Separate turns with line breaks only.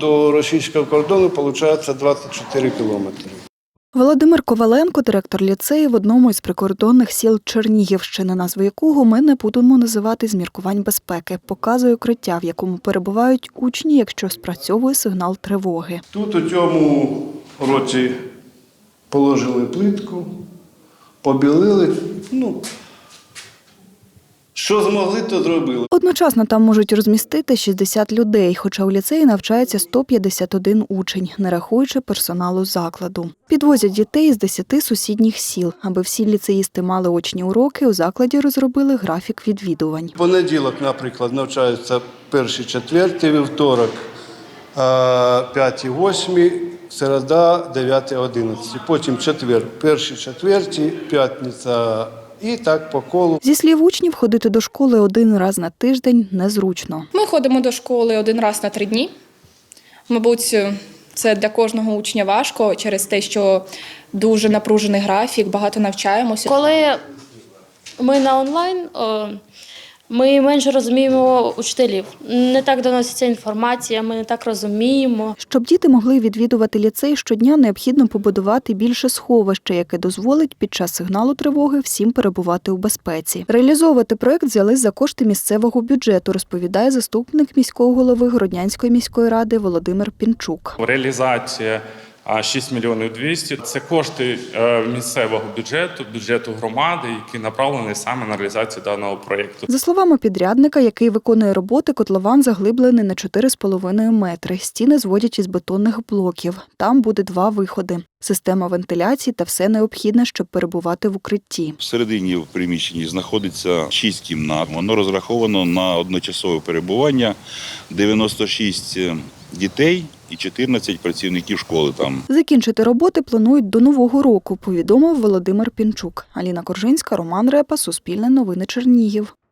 до російського кордону виходить 24 кілометри.
Володимир Коваленко, директор ліцею в одному із прикордонних сіл Чернігівщини, назву якого ми не будемо називати з міркувань безпеки, показує укриття, в якому перебувають учні, якщо спрацьовує сигнал тривоги.
Тут у цьому році положили плитку, побілили, що змогли, то зробили.
Одночасно там можуть розмістити 60 людей, хоча у ліцеї навчається 151 учень, не рахуючи персоналу закладу. Підвозять дітей з 10 сусідніх сіл. Аби всі ліцеїсти мали очні уроки, у закладі розробили графік відвідувань.
В понеділок, наприклад, навчаються перші, четверті, вівторок, 5-8, середа, 9-11. Потім четвер, перші, четверті, п'ятниця. І так по колу.
Зі слів учнів, ходити до школи один раз на тиждень незручно.
Ми ходимо до школи один раз на 3 дні. Мабуть, це для кожного учня важко через те, що дуже напружений графік, багато навчаємося.
Коли ми на онлайн, ми менше розуміємо учителів. Не так доноситься інформація, ми не так розуміємо.
Щоб діти могли відвідувати ліцей щодня, необхідно побудувати більше сховища, яке дозволить під час сигналу тривоги всім перебувати у безпеці. Реалізовувати проект взялись за кошти місцевого бюджету, розповідає заступник міського голови Городнянської міської ради Володимир Пінчук.
Реалізація 6 мільйонів 200 – це кошти місцевого бюджету громади, які направлені саме на реалізацію даного проєкту.
За словами підрядника, який виконує роботи, котлован заглиблений на 4,5 метри. Стіни зводять із бетонних блоків. Там буде 2 виходи. Система вентиляції та все необхідне, щоб перебувати в укритті.
Всередині в приміщенні знаходиться 6 кімнат. Воно розраховано на одночасове перебування, 96 дітей і 14 працівників школи там.
Закінчити роботи планують до Нового року, повідомив Володимир Пінчук. Аліна Коржинська, Роман Репа, Суспільне новини Чернігів.